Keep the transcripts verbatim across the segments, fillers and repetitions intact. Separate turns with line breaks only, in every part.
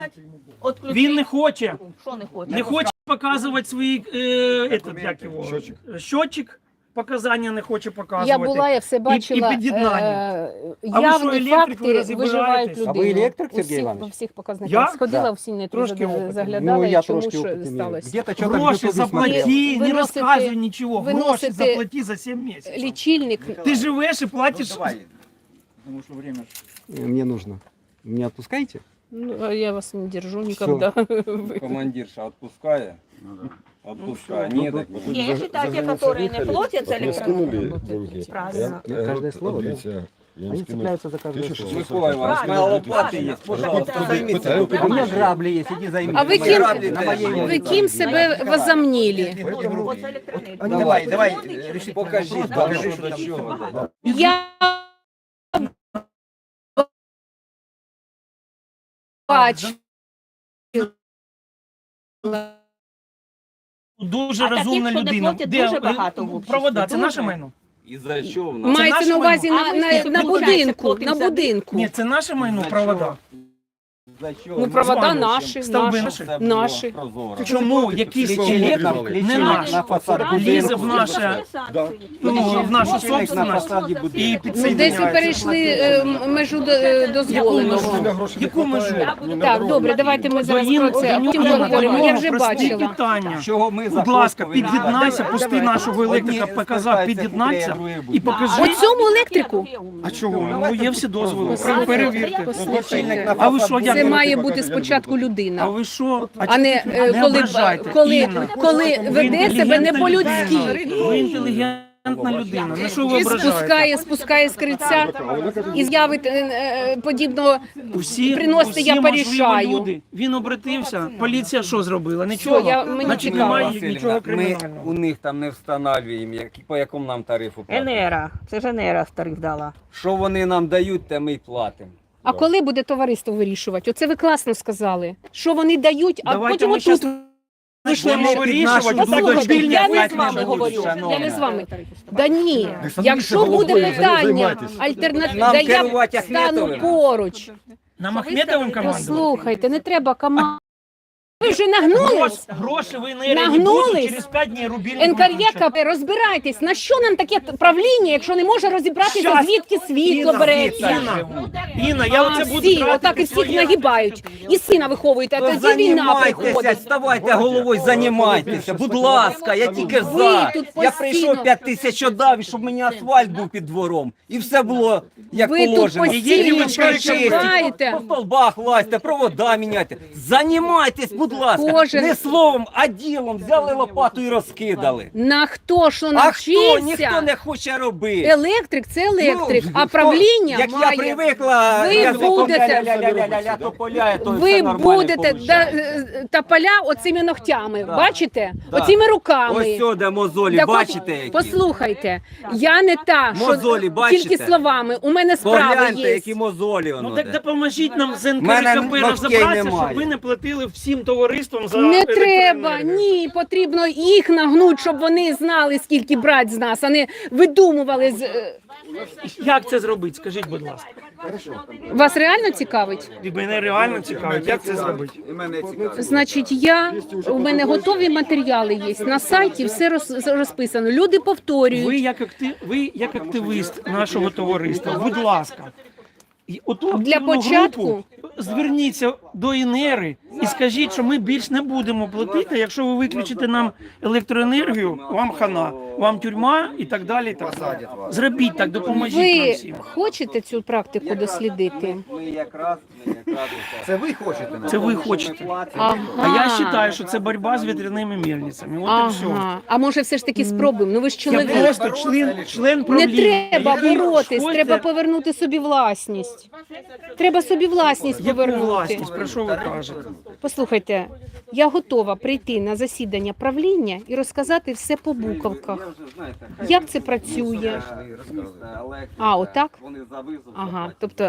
Він не хоче.
Що не хоче?
Не хоче показувати свої е, этот, як його,
Щотчик.
щотчик, показання не хоче показувати.
Я була, я все бачила.
і під'єднання.
е,
А ви
Явні
що, електрикою
факти
розбираєтесь?
виживають
А
людину.
ви електрик,
У
Сергій
всіх-
Іванович?
По всіх показниках.
Я?
Сходила
Да.
в сінь,
Трошки опиту.
заглядала,
Ну,
і
я
чому
трошки
що
опыт имею.
сталося.
Где-то что-то в
Гроші
Ютубе смотрел.
заплати, не
Виносите-
розказуй нічого. Гроші
виносите-
заплати за сім місяців.
Лічильник.
Ти живеш і платиш.
Потому что время...
Э, Мне нужно. Меня отпускаете?
Ну, а я вас не держу ніколи.
Командирша отпуская. Отпуская.
Ну,
Нет, так
Не, я считаю, те, которые не платят за электронную,
деньги.
правильно.
Я- каждое слово, да?
Дивіться, я їм
Они
скину.
цепляются за каждое
Тысяча
слово.
шестьсот.
Микола Иванович, моя лопата есть, пожалуйста,
Это-
займитесь.
это-
лопатой.
У меня грабли есть, иди займись.
А ви
Мої
ким,
граблі на моєму.
ви ким себе возомнили? Вот за электронную.
Давай, давай, реши.
Покажи, покажи, що до чого.
Я бачу.
Дуже
А таких,
розумна
що не
людина.
платять,
Де,
дуже
е,
багато в обществі,
провода, це
дуже.
наше майно?
І за що в нас?
Мається
наше
на увазі
майно.
на,
А
на,
ви
на
скільки
будинку,
платите?
на будинку.
Ні, це наше майно, провода.
За що?
Ну, провода
Звалюємо.
наші,
Стовби
наші,
наші.
наші.
Чому якийсь
Лічильник
чоловік
на-
не
лічильник
наш
на фасаді
лізе
будинку.
в наше, ну, в нашу
Лічильник на
собственность
фасаді будинку.
і
Ну, десь ви
підсоединяється?
перейшли е, межу до- е, дозволеного.
Яку межу?
Так, добре, давайте ми зараз
До
про це, а потім поговоримо. Я вже
прості
бачила.
питання.
Чого ми
Будь ласка, під'єднайся, пусти нашого електрика, показав, під'єднайся і покажи.
Оцьому електрику?
А чого? Ну, є всі дозволи,
Послухайте,
перевірте.
послухайте.
А ви що, як?
Це має бути спочатку
А
людина,
ви що?
а не е,
Не
коли,
ображайте,
коли,
Інна.
коли
Ви
веде себе не
інтелігентна
по-людськи.
людина. Ви інтелігентна людина. На що ви
І
ображаєте?
спускає, спускає з криця і з'явить е, е, подібного.
Усі,
приносите,
усі
я
можливі
порішаю.
люди. Він обратився. Поліція що зробила? Нічого.
я- мені
Значить,
цікаво.
немає нічого
Ми
кримінального.
у них там не встановлюємо, як- по якому нам тарифу платимо.
Енера, це ж Енера тариф дала.
Що вони нам дають, те ми й платимо.
А коли буде товариство вирішувати? Оце ви класно сказали. Що вони дають, а
Давайте
потім
ми
отут.
щас
Вийшли
почнемо вирішувати, будуть
Послухайте,
вільні
я не з
платні
вами
живуть,
говорю.
шановна.
Я не з вами. Да ні,
Ви
якщо
самі
буде
головою
питання
займайтесь.
альтернативне,
Нам
да я
керувати
стану
Ахметовим.
поруч.
Нам Ахметовим командувати?
Послухайте, не треба команду. Ви вже нагнулись?
Гроші в енергії не
Нагнулись?
будуть, через п'ять днів рубільник
НКРЄ, розбирайтесь, на що нам таке правління, якщо не може розібратися,
Щас.
звідки світло
Інна,
береться?
Інна, Інна, я
А
оце буду
всі,
тратити
отак і всіх
своє-
нагибають. І сина виховуєте, а
То
тоді війна
займайтеся,
приходить.
вставайте головою, займайтеся. Будь ласка, я тільки
Ви
за.
тут
Я
постійно-
прийшов п'ять тисяч отдав, щоб мені асфальт був під двором. І все було як
Ви тут
положено.
постійно
Дівчинка
прочитаєте.
по столбах лазьте, провода міняйте. Займайтесь, будь ласка.
Кожен-
Не словом, а ділом. Взяли лопату і розкидали.
На хто що
А хто?
навчився?
Ніхто не хоче робити.
Електрик це електрик,
Ну,
а
хто-
правління
як
має.
я привикла,
Ви
язиком
будете-
ля-ля-ля-ля-ля, то поля, то
Ви
все нормально
будете
получається.
да, е, тополя оцими ногтями,
Да.
бачите?
Да.
Оцими руками.
Ось сюди мозолі,
Так от,
бачите які?
Послухайте, я не та,
Мозолі,
що
бачите?
тільки словами, у мене справи
Погляньте,
є.
які мозолі воно
Ну так
де.
допоможіть нам з
Мене
НКРКП
ногтей
розібратися,
немає.
щоб ви не платили всім товариствам за
Не треба,
електроенергію.
ні, потрібно їх нагнуть, щоб вони знали, скільки брати з нас, а не видумували. з- е,
Як це зробити? Скажіть, будь ласка.
Вас реально цікавить?
І мене реально цікавить, як це зробити.
Значить, я, у мене готові матеріали є, на сайті все роз- розписано, люди повторюють.
Ви як, актив, ви як активіст нашого товариства, будь ласка, і оту
Для
активну
початку-
групу зверніться до Інери і скажіть, що ми більш не будемо платити, якщо ви виключите нам електроенергію, вам хана, вам тюрма і так далі. І так далі. Зробіть так, допоможіть нам
Ви
всім.
хочете цю практику дослідити?
Ми якраз, ми якраз
Це ви хочете?
Це ви хочете.
Ага.
А я вважаю, що це боротьба з вітряними мельницями. От і все.
Ага. А може все ж таки спробуємо? Ну ви ж
Я
чоловік.
просто член, член
Не
правління.
треба
який
боротись,
хоче-
треба повернути собі власність. Треба собі власність
Яку
повернути.
власність? Про що ви кажете?
Послухайте, я готова прийти на засідання правління і розказати все по буковках. Як це працює? А, отак?
Вони за визов
Ага,
заплатять
тобто
за електрику.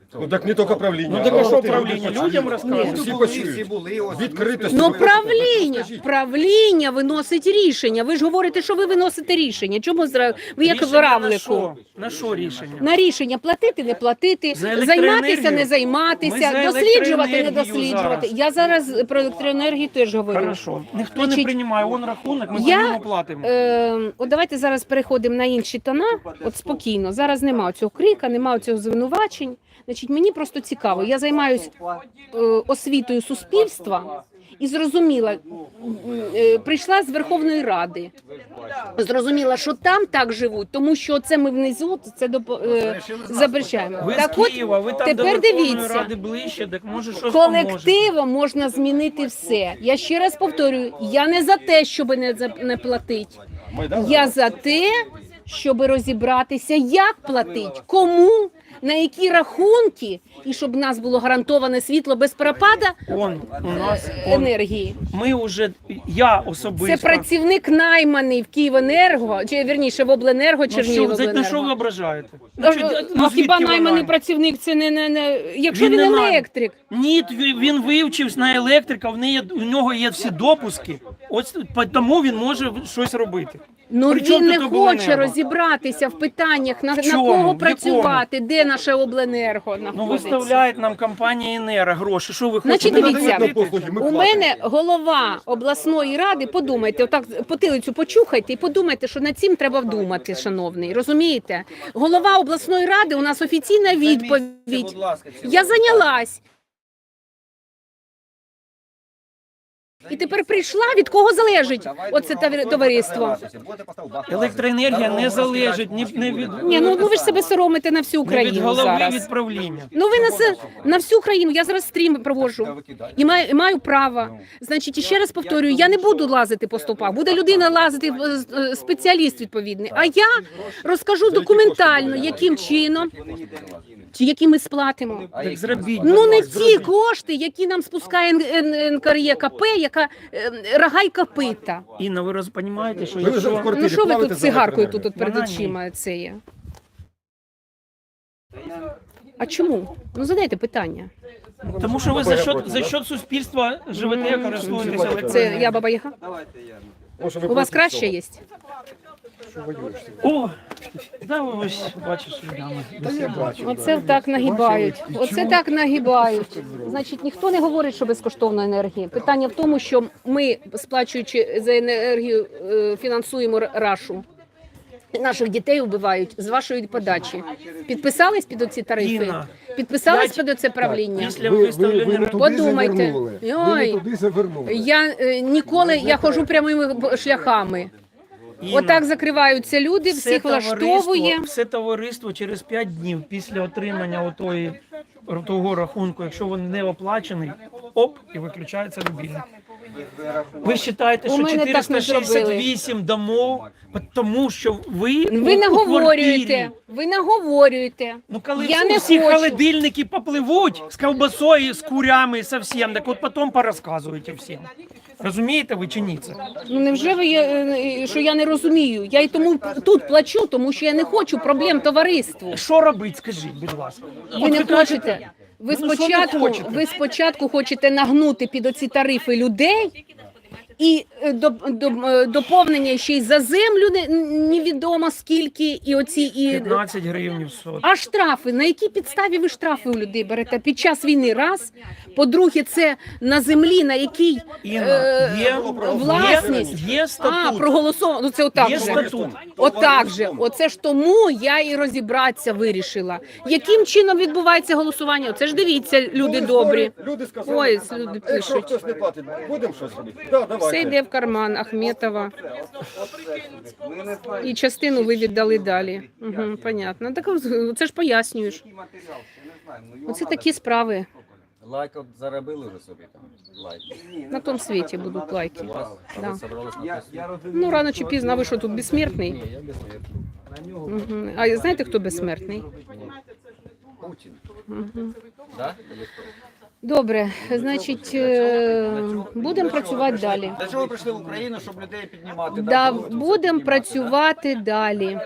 Ну так не тільки правління.
Ну так а що
от і
правління?
люди
Людям
почують.
розказують.
Всі
Були,
почують.
всі були, ось.
Відкритість.
Ну,
ви-
правління,
Скажіть.
правління виносить рішення. Ви ж говорите, що ви виносите рішення. Чому зра... ви як в
Рішення на
равлику?
що? На що рішення?
На рішення платити, не платити,
За електроенергію?
займатися, не
Ми
займатися,
за
досліджувати, не
електроенергію
досліджувати.
зараз.
Я зараз про електроенергію теж говорю.
Хорошо. Ніхто не
Значить,
приймає, он рахунок, ми
я,
по ньому платимо.
Е, от давайте зараз переходимо на інші тона. От спокійно. Зараз немає цього крика, немає цього звинувачень. Значить, мені просто цікаво. Я займаюся е, освітою суспільства і зрозуміла, е, прийшла з Верховної Ради. Зрозуміла, що там так живуть, тому що це ми внизу, це до, е, запрещаємо.
Ви
Так
з
от,
Києва, ви там
тепер
до Верховної
дивіться.
Ради ближче, так може щось поможете.
Колективом можна змінити все. Я ще раз повторюю, я не за те, щоб не, за- не платити. Я за те, щоб розібратися, як платить, кому, на які рахунки, і щоб в нас було гарантоване світло без пропада
Он, у нас, он,
енергії.
ми вже, я
Це
особисто.
працівник найманий в Київенерго, чи вірніше в обленерго,
Ну, що, за- на що ви
Чернігівобленерго.
ображаєте?
А,
що,
а
ну,
хіба
звідки ви
найманий
знаєте?
працівник це не, не, не... якщо
Він
він,
не най-
електрик?
Ні, він- він вивчився на електрика, в неї, у нього є всі допуски, ось тому він може щось робити.
Ну
При чому
він не
тут
хоче
обленерго?
розібратися в питаннях, на, на
чому? В
кого
якому?
працювати, де наше обленерго
Ну,
знаходиться.
виставляють нам компанія Енера гроші, що ви
Значить,
хочете?
дивіться,
надають нам послуги, ми
у
платимо.
мене голова обласної ради, подумайте, отак потилицю почухайте і подумайте, що над цим треба вдумати, шановний, розумієте? Голова обласної ради, у нас офіційна відповідь. Я зайнялась. І тепер прийшла, від кого залежить оце таві- товариство.
Електроенергія не залежить ні, не від,
Ні, ну, ну ви ж себе соромите на всю
не від
Україну
голови
зараз.
відправління.
Ну ви на, се- на всю країну, я зараз стрім проводжу і маю, і маю право. Значить, і ще раз повторюю, я не буду лазити по стовпах, буде людина лазити, е, е, спеціаліст відповідний. А я розкажу документально, яким чином, чи які ми сплатимо.
Так зробіть.
Ну не
зробіть.
ті кошти, які нам спускає Н- Н- НКРЄКП, яка е, рога й копита.
Інна, ви розумієте, що
Ви вже в
якщо...
квартирі
Ну що ви
платите
тут
за
цигаркою
електроенергію?
тут от перед
Вона ні.
очима це є? А чому? Ну задайте питання.
Тому що ви за що, за що суспільства живете, користуєтеся
Це
електроенергією.
я Баба Яга?
Може, ви
У вас
проти
краще
цього?
є?
О, да, ви ось бачиш, Уляна.
Та я бачу.
Оце так нагибають. Оце так нагибають. Значить, ніхто не говорить, що безкоштовна енергія. Питання в тому, що ми, сплачуючи за енергію, е, фінансуємо рашу. Наших дітей вбивають з вашої подачі. Підписались під оці тарифи?
Інна,
Підписались
я-
під оце правління?
Після
Ви, ви, ви
виставлення...
не туди
Подумайте.
завернули. Ви
Ой.
не туди завернули.
Я е, ніколи я ходжу прямими шляхами.
Інна,
Отак закриваються люди,
все
всіх влаштовує.
товариство- Все товариство через п'ять днів після отримання отої, того рахунку, якщо він не оплачений, оп, і виключається рубільник. Ви вважаєте,
У
що
мене так не
чотириста шістдесят вісім домов, тому що ви
Ви
у- у
наговорюєте,
квартирі.
ви наговорюєте.
Ну, коли
Я
всі,
не
всі
хочу.
холодильники попливуть з ковбасою, з курями, со всім, так от потім порозказуєте всім. Розумієте ви чи ні це?
Ну невже ви є, е, що я не розумію? Я й тому тут плачу, тому що я не хочу проблем товариству.
Що робити, скажіть, будь ласка.
Ви
От
не
кажете,
хочете. Ви
ну, що не
спочатку,
хочете?
ви спочатку хочете нагнути під оці тарифи людей. І е, до, до, е, доповнення ще й за землю не- невідомо скільки, і оці і
п'ятнадцять гривень в сот.
а штрафи. На якій підставі ви штрафи у людей берете під час війни? Раз. По-друге, це на землі, на якій
Інна,
е,
є,
власність.
є, є
А,
статут.
проголосовано. Ну це отак
Є
же.
статут.
Отак же. Оце ж тому я і розібратися вирішила. Яким чином відбувається голосування? Оце ж дивіться, люди добрі.
Люди сказали,
Ой, люди
якщо
пишуть.
хтось не платить, будемо щось робити? Да, давайте.
Все йде в карман Ахметова. І частину ви віддали далі. Угу, понятно. Так це ж пояснюєш. Оце такі справи.
Лайк от заробили вже собі там. Лайк.
На тому світі будуть лайки.
А
Да.
ви собрались на прес-
Ну, рано чи пізно, а ви що тут безсмертний? Угу. А знаєте, хто безсмертний?
Путін.
Угу.
Да? Или хто?
Добре, значить, е, будемо працювати далі.
Для чого ви прийшли в Україну, щоб людей піднімати?
Да,
Було це все
будемо
піднімати.
працювати далі.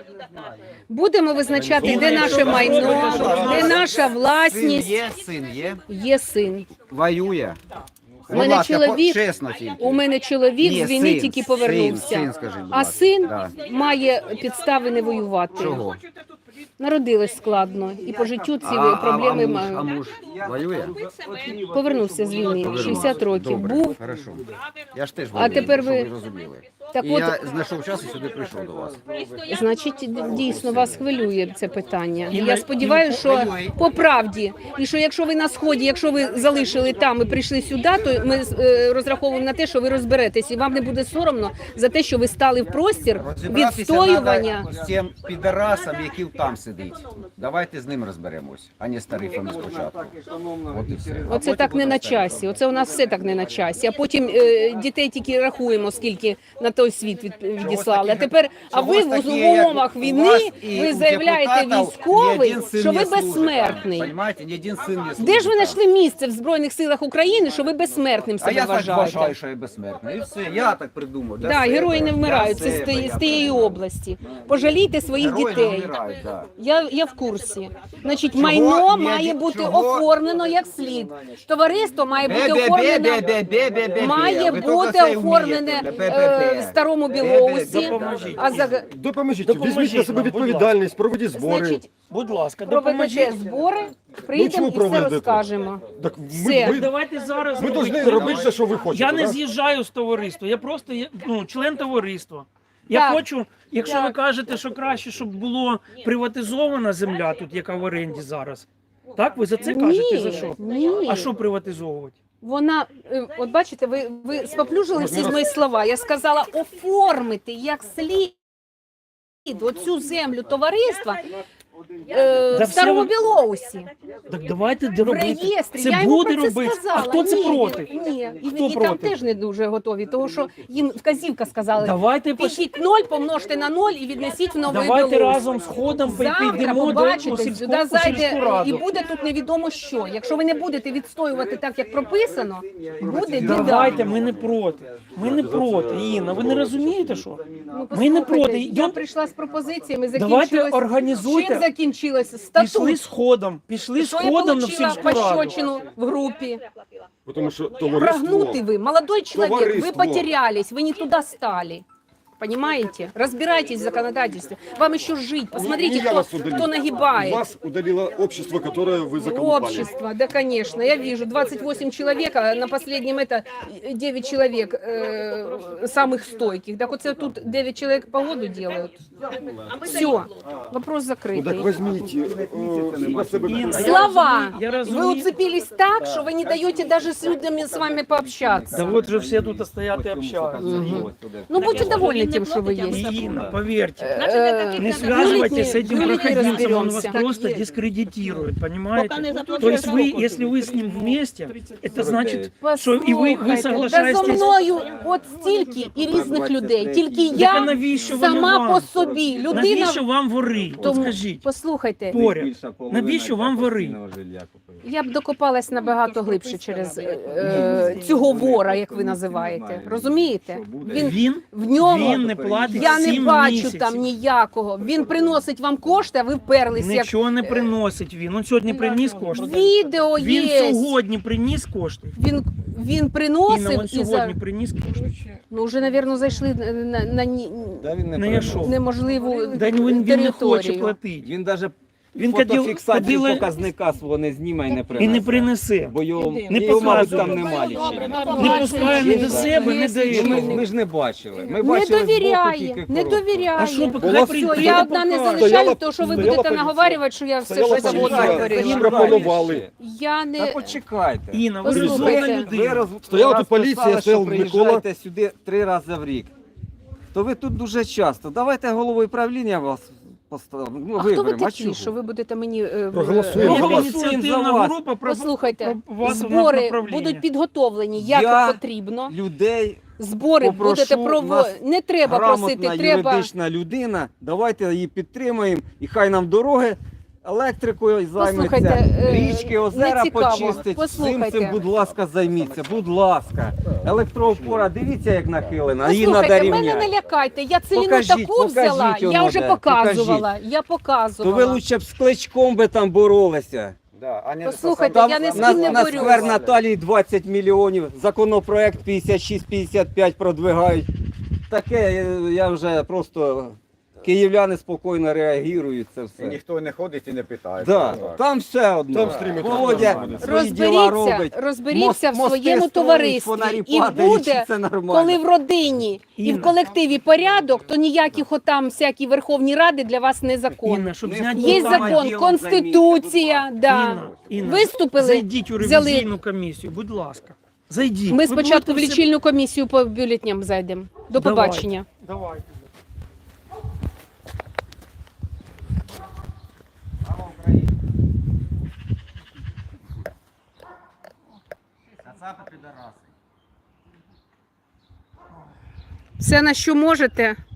Будемо визначати, де наше майно, де наша
Син
власність.
є, син є,
Є син.
воює.
У мене чоловік-
чесно тільки.
У мене чоловік
Ні,
з війни
син,
тільки
син,
повернувся.
син, скажіть, будь
А
ласка.
син
Да.
має підстави не воювати.
Чого?
Народилась складно. І по життю ці
А-
проблеми
а, а, муж,
маю.
а муж воює?
Повернувся з війни, шістдесят років.
Добре,
Був.
хорошо. Я ж теж
А тепер
щоб
ви-
ви розуміли.
Так
І
от,
я знайшов час і сюди прийшов до вас.
значить, дійсно вас хвилює це питання.
І
Я
на-
сподіваюся,
і
що
хвилює.
по правді, і що якщо ви на сході, якщо ви залишили там і прийшли сюди, то ми е, розраховуємо на те, що ви розберетесь, і вам не буде соромно за те, що ви стали в простір
Розібратися
відстоювання.
треба з цим підарасом, який там сидить. Давайте з ним розберемось, а не з тарифами спочатку. От і все. А
Оце
потім
так не
буде
на
старі
часі. Оце у нас все так не на часі. А потім е, дітей тільки рахуємо, скільки на той світ від, відіслали. А тепер, а ви
Чогось
в
такі, як
умовах
у
війни,
вас і
ви
у
заявляєте
депутатів ні
військовий,
один син
що
не
ви
служить
безсмертний.
там, Понімаєте, ні один син не служить
Де ж ви
там.
знайшли місце в Збройних силах України, що ви безсмертним
А
себе
я так вважаю,
вважаєте?
що я безсмертний. І все, я так придумав. для
Да,
себе,
герої не
для
вмирають. Це з,
себе,
тієї-
я
з тієї
придумав.
області. Пожалійте своїх
Герої не
дітей.
вмирають, да.
Я, я в курсі. Значить,
Чого?
майно
Ні,
має
ні,
бути
чого?
оформлено як слід. Товариство має бути
Бе-бе-бе,
оформлено.
бе-бе-бе-бе-бе.
Має
Ви
бути
тільки це
оформлене
вмієте.
е,
Бе-бе-бе.
в старому
Бе-бе-бе.
білоусі.
Допоможіть.
А за
Допоможіть,
Допоможіть
візьміть на себе
нам, будь
відповідальність, проведіть збори.
значить,
Будь ласка,
проведете
допоможіть.
збори, прийдемо
чому
і все
проведете?
розкажемо.
Так ми,
Все.
ви,
Давайте зараз
ви
робити.
повинні робити все, що ви хочете.
Я не
да?
з'їжджаю з товариства, я просто є- ну, член товариства. Я
Так.
хочу, якщо
Так.
ви кажете, що краще, щоб було приватизована земля тут, яка в оренді зараз. Так, ви за це кажете? За що?
Ні.
А що приватизовувати?
Вона, е, от бачите, ви, ви споплюжили всі мої слова. Я сказала оформити як слід оцю землю товариства е,
Да
в старому
все
Білоусі.
Так давайте
В
робити.
реєстрі.
Це
я йому
буде
про це
робити.
сказала.
А хто це
Ні,
проти?
Ні, і,
Хто
і там
проти?
теж не дуже готові, тому що їм вказівка сказала,
Давайте пош...
пишіть ноль, помножте на ноль і віднесіть в новий
Давайте
Білоус.
разом з ходом
Завтра
підійдемо до
побачите,
сільського
сюди
сільську
зайде і
раду.
буде тут невідомо що. Якщо ви не будете відстоювати так, як прописано, буде біда.
Давайте, ми не проти. Ми не проти, Інна. Ви не розумієте, що?
Ну,
Ми не
послухайте,
проти.
Я
Йдем-
прийшла з пропозиціями,
Давайте
закінчилось. Чим
організуйте.
закінчилось?
Пішли
Статут.
з ходом. Пішли з
Що я
ходом на
получила
сільську раду.
пощечину в групі?
Тому що товариство...
Прогнутый вы, молодой человек, вы
Товариство.
потерялись, вы не туда стали. Понимаете? Разбирайтесь в законодательстве. Вам еще жить. Посмотрите,
Не я
кто,
вас удалил.
кто нагибает.
Вас удалило общество, которое вы заколупали.
Общество, да, конечно. Я вижу, двадцать восемь человек, а на последнем это девять человек э, самых стойких. Так вот это тут девять человек погоду делают. Все, вопрос
Ну так
закрытый.
візьміть е, на себе
Інна,
таку-
Слова.
Я
Вы
розумію.
уцепились так, что вы не даете даже с людьми с вами пообщаться.
Да вот же все тут стоят и общаются.
Ну, будьте довольны тем, что вы есть.
Инна, поверьте.
Э,
Не связывайтесь с этим
бюллетени
проходимцем, он вас
разберемся.
просто дискредитирует, понимаете? То есть вы, если вы с ним вместе, это значит, что и вы, вы
Та зо
соглашаетесь.
мною от стільки і різних людей. Тільки
Так а
я
навіщо вони
сама
вам?
по собі. Людина.
Навіщо вам вори? От
Тому,
скажіть,
послухайте,
поряд. Навіщо вам вори?
я б докопалась набагато глибше через е, цього вора, як ви називаєте. Розумієте? Він
Він,
в ньому
він не платить
я не
сім
бачу
місяців.
там ніякого. Він приносить вам кошти, а ви вперлись як
Нічого не приносить він. Он сьогодні приніс кошти.
відео
Він
є.
сьогодні приніс кошти.
Він він
Інна,
приносив
він
і за
сьогодні приніс кошти.
ну вже, напевно, зайшли на, на, на ні-
Не я що?
неможливу
Да він, він не хоче
територію.
платити.
Він навіть
Він каділ-
фотофіксацію
каділи-
показника свого не зніме і не
І
принесе.
не принесе.
Бо його,
Не
його мабуть,
показує.
там нема лічення.
Не пускає ні до себе, ні до
Ми,
іншого.
ми ж не бачили. Ми
Не
бачили збоку
довіряє,
тільки
не
коробку.
довіряє.
А що, поки
Була
хай
Все,
прийде,
я
хай
одна не
покаже.
залишаю,
Стояла-
то що ви
стояла
будете
поліція.
наговарювати, що я все
Стояла
що завгодно
поліція.
говорила.
Їм пропонували.
Я
Та
не
почекайте.
Інна, ви
Послухайте.
розумна
Ви
людина.
роз...
Стояла
раз
тут поліція,
писали,
стояв
що
Микола.
приїжджаєте сюди три рази в рік. То ви тут дуже часто. Давайте головою правління вас поставимо. Ну,
А хто ви
виберемо. А
такі,
чого?
що ви будете мені е,
Проголосуємо.
е,
Є
Голосуємо
ініціативна
за вас.
група про
Послухайте,
про вас на
збори
направління.
будуть підготовлені, як
Я-
потрібно.
Людей,
Збори
попрошу
будете проводити.
нас
Не треба
грамотна
просити, треба.
юридична людина, давайте її підтримаємо і хай нам дороги електрикою
Послухайте,
займеться,
е,
річки, озера
не цікаво.
почистить. Цим
Послухайте.
цим, будь ласка, займіться, будь ласка. Електроопора, дивіться, як нахилена, її треба
Послухайте, мене не
рівняти.
лякайте. Я цілину
Покажіть,
таку
покажіть
взяла, я
воно
вже
де,
показувала. Я
То ви
показувала.
лучше б з кличком би там боролися.
Да, а не
Послухайте,
Там
я не з
на,
ким не
на
борюсь.
сквер Наталії двадцять мільйонів, законопроект п'ятдесят шість п'ятдесят п'ять продвигають. Таке е, я вже просто київляни спокійно реагують це
І
все.
ніхто не ходить і не питає.
Да,
Так.
там все одно.
Там стрімить
Володя
буде.
свої діла
Розберіться,
робить.
розберіться в
Мос-
своєму
мости
товаристві.
строїть, фонарі
І
падають,
буде,
це нормально.
коли в родині і в
Інна.
колективі порядок, то ніяких отам всякі Верховні Ради для вас не закон.
Інна, щоб
Не
зняти
Є
Там
закон,
ділом
конституція.
займіться,
Да.
Інна, Інна,
Виступили,
зайдіть у
взяли.
ревізійну комісію, будь ласка. Зайдіть.
Ми
Ви
спочатку в
будете все-
лічильну комісію по бюлетням зайдемо. До
Давайте.
побачення.
Давайте.
Все, на що можете,